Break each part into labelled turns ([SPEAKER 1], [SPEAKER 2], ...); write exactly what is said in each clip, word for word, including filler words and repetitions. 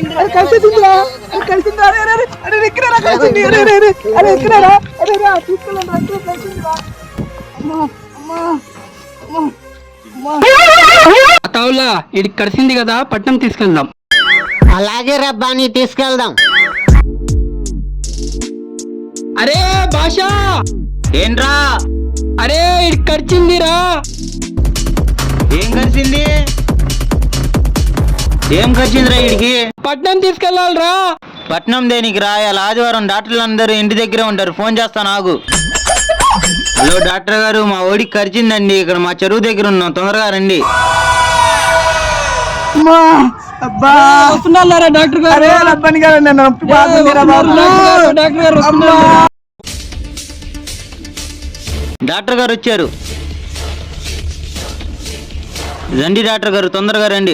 [SPEAKER 1] కలిసిందిరా కలిసిందిరా అరే అరే అరే ఎక్కడరా కలిసింది అరే అరే అరే అరే ఎక్కడరా అరే రా తీసుకెళ్ళండి రండి కలిసిందిరా అమ్మా అమ్మా అమ్మా
[SPEAKER 2] అతావులా ఇది కలిసింది కదా పట్నం తీసుకెళ్దాం.
[SPEAKER 3] అలాగే రబ్బాని తీసుకెళ్దాం.
[SPEAKER 2] అరే భాషా
[SPEAKER 4] ఏంట్రా?
[SPEAKER 2] అరే ఇది కరిచిందిరా.
[SPEAKER 4] ఏం కరిచింది? ఏం కరిచిందిరా వీడికి?
[SPEAKER 2] పట్నం తీసుకెళ్ళాలరా.
[SPEAKER 4] పట్నం దేనికి రా? ఇలా ఆదివారం డాక్టర్లు అందరూ ఇంటి దగ్గరే ఉంటారు. ఫోన్ చేస్తా నాకు. హలో డాక్టర్ గారు, మా ఓడికి కరిచిందండి. ఇక్కడ మా చెరువు దగ్గర ఉన్నాం, తొందరగా రండి.
[SPEAKER 1] అబ్బా
[SPEAKER 2] వస్తున్నారా డాక్టర్ గారు?
[SPEAKER 1] అరే రబ్బని గారు నన్ను నొప్పి బాగుందిరా బాబు.
[SPEAKER 2] డాక్టర్ గారు
[SPEAKER 4] డాక్టర్ గారు వచ్చారు. రండి డాక్టర్ గారు, తొందరగా రండి.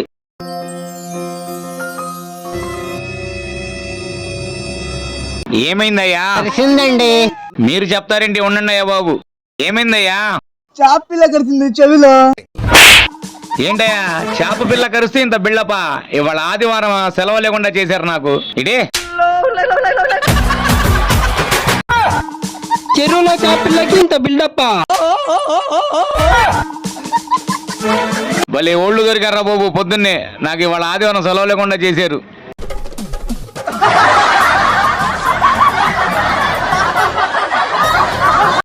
[SPEAKER 5] ఏమైందయ్యా?
[SPEAKER 3] తెలిసిందండి.
[SPEAKER 5] మీరు చెప్తారేంటి? ఉండండి అయ్యా బాబు. ఏమైందయ్యా?
[SPEAKER 1] చాప పిల్ల కరిచింది చెవిలో.
[SPEAKER 5] ఏంటయ్యా చేప పిల్ల కరిస్తే ఇంత బిళ్ళపా? ఇవాళ ఆదివారం సెలవు లేకుండా చేశారు నాకు. ఇడే
[SPEAKER 2] చెరువులో చేపలకి ఇంత బిల్డప్.
[SPEAKER 5] భలే ఓళ్ళు దొరికారా బాబు పొద్దున్నే. నాకు ఇవాళ ఆదివారం సెలవు లేకుండా చేశారు.